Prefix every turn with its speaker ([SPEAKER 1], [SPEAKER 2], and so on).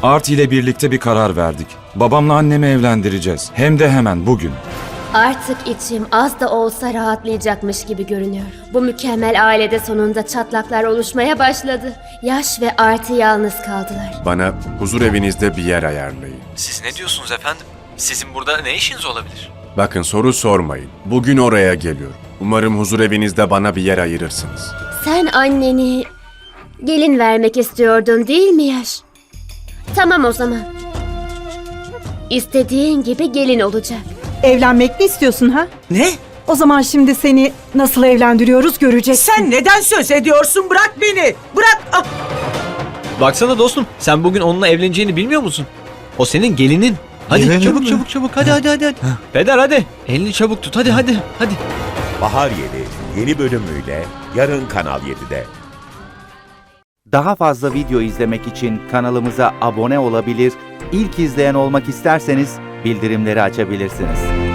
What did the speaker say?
[SPEAKER 1] Arti ile birlikte bir karar verdik. Babamla annemi evlendireceğiz. Hem de hemen bugün.
[SPEAKER 2] Artık içim az da olsa rahatlayacakmış gibi görünüyor. Bu mükemmel ailede sonunda çatlaklar oluşmaya başladı. Yaş ve Arti yalnız kaldılar.
[SPEAKER 3] Bana huzur evinizde bir yer ayarlayın.
[SPEAKER 4] Siz ne diyorsunuz efendim? Sizin burada ne işiniz olabilir?
[SPEAKER 3] Bakın soru sormayın. Bugün oraya geliyorum. Umarım huzur evinizde bana bir yer ayırırsınız.
[SPEAKER 2] Sen anneni gelin vermek istiyordun değil mi Yaş? Tamam o zaman. İstediğin gibi gelin olacak.
[SPEAKER 5] Evlenmek mi istiyorsun ha?
[SPEAKER 6] Ne?
[SPEAKER 5] O zaman şimdi seni nasıl evlendiriyoruz göreceksin.
[SPEAKER 6] Sen neden söz ediyorsun? Bırak beni. Bırak. Ah!
[SPEAKER 4] Baksana dostum, sen bugün onunla evleneceğini bilmiyor musun? O senin gelinin. Hadi
[SPEAKER 1] Gelinim
[SPEAKER 4] çabuk
[SPEAKER 1] mi?
[SPEAKER 4] çabuk çabuk hadi. Peder hadi. Elini çabuk tut hadi.
[SPEAKER 7] Bahar Yeli yeni bölümüyle yarın Kanal 7'de.
[SPEAKER 8] Daha fazla video izlemek için kanalımıza abone olabilir, ilk izleyen olmak isterseniz bildirimleri açabilirsiniz.